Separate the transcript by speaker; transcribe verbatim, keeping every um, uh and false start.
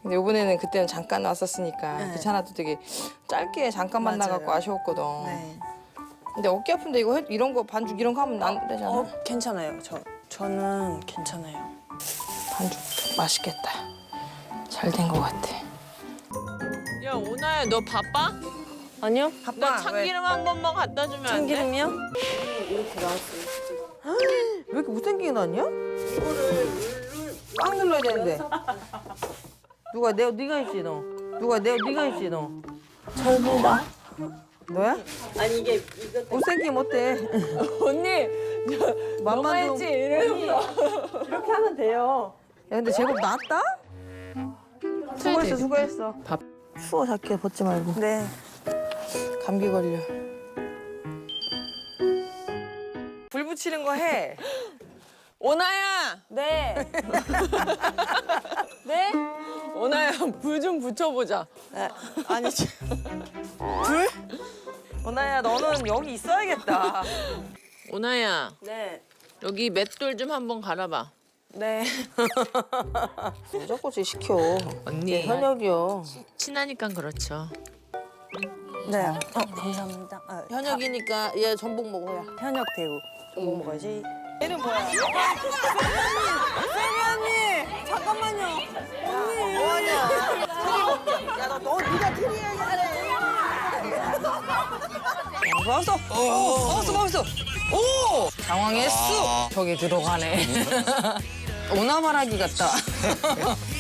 Speaker 1: 근데 이번에는 그때는 잠깐 왔었으니까
Speaker 2: 네.
Speaker 1: 귀찮아도 되게 짧게 잠깐
Speaker 2: 맞아요.
Speaker 1: 만나갖고 아쉬웠거든.
Speaker 2: 네.
Speaker 1: 근데 어깨 아픈데 이거 해- 이런 거 반죽 이런 거 하면 안 되잖아.
Speaker 2: 어, 괜찮아요. 저 저는 괜찮아요.
Speaker 1: 반죽 맛있겠다. 잘 된 거 같아.
Speaker 3: 야 오나야 너 바빠?
Speaker 2: 아니요?
Speaker 3: 나
Speaker 2: 바빠.
Speaker 3: 참기름 한 번만 갖다 주면 안 돼?
Speaker 2: 참기름이요?
Speaker 1: 왜 이렇게 못생기게 나왔냐? 꽉 눌러야 되는데. 누가 내 네가 했지 너. 누가 내 네가 했지 너.
Speaker 2: 절부다.
Speaker 1: 너야?
Speaker 2: 아니 이게 이거
Speaker 1: 못생기면 어때?
Speaker 3: 언니
Speaker 1: 맘만 좀.
Speaker 3: 이러면서
Speaker 2: 이렇게 하면 돼요.
Speaker 1: 야 근데 제법 나았다? 수고했어 수고했어.
Speaker 3: 밥.
Speaker 1: 추워 자켓 벗지 말고.
Speaker 2: 네.
Speaker 1: 감기 걸려. 불 붙이는 거 해.
Speaker 3: 오나야
Speaker 2: 네. 네?
Speaker 3: 오나야 불 좀 붙여보자.
Speaker 2: 네. 아니 저-
Speaker 1: 불? 오나야 너는 여기 있어야겠다.
Speaker 3: 오나야
Speaker 2: 네.
Speaker 3: 여기 맷돌 좀 한번 갈아봐.
Speaker 2: 네.
Speaker 1: 무조건 시켜.
Speaker 3: 언니
Speaker 1: 얘 현역이요.
Speaker 3: 친하니까 그렇죠.
Speaker 2: 네. 어, 감사합니다. 아,
Speaker 1: 현역이니까 얘 전복 먹어야.
Speaker 2: 현역 대우. 전복 먹어야지.
Speaker 1: 얘는 뭐야?
Speaker 2: 잠깐만요.
Speaker 1: 뭐하냐? 야, 너, 너 네가 트리해야지. 먹었어. 어, 먹었어, 먹었어. 오! 당황했어. 저기 들어가네. 오나마라기 같다.